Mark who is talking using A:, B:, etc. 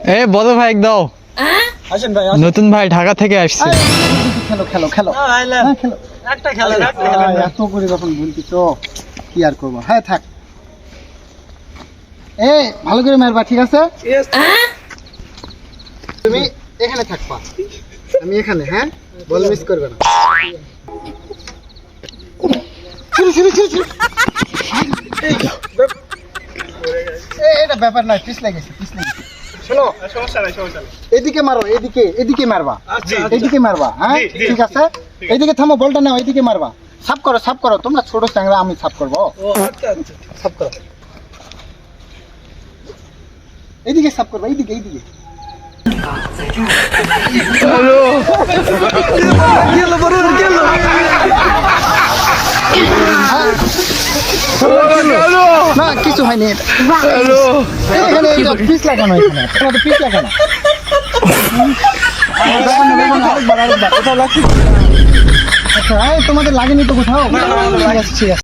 A: এ বলো ভাই দাও।
B: আসেন ভাই
A: নতুন ভাই ঢাকা থেকে আসছে।
B: খেলো খেলো খেলো হ্যাঁ খেলো একটা খেলা এত করে যখন বলছি তো কি আর করবো। হ্যাঁ থাক এ ভালো করে মারবা ঠিক আছে। তুমি এখানে থাকবা আমি এখানে। হ্যাঁ বল মিস করবে না। শুরু শুরু শুরু শুরু। এটা ব্যাপার নয়, পিছ লেগেছে পিছ লেগেছে। শোনো এদিকে মারো, এদিকে এদিকে মারবা, এদিকে মারবা। হ্যাঁ ঠিক আছে এইদিকে থামো, বলটা নাও এইদিকে মারবা। সাফ করো সাফ করো, তোমরা ছোট চ্যাংরা, আমি সাফ করবো। সাফ করো এইদিকে সাফ করবা, এইদিকে এইদিকে। না কিছু হয়নি, এখানে পিস লাগানো, এখানে তোমাদের পিস লাগানো। আচ্ছা তোমাদের লাগেনি তো কোথাও? ঠিক আছে ঠিক আছে।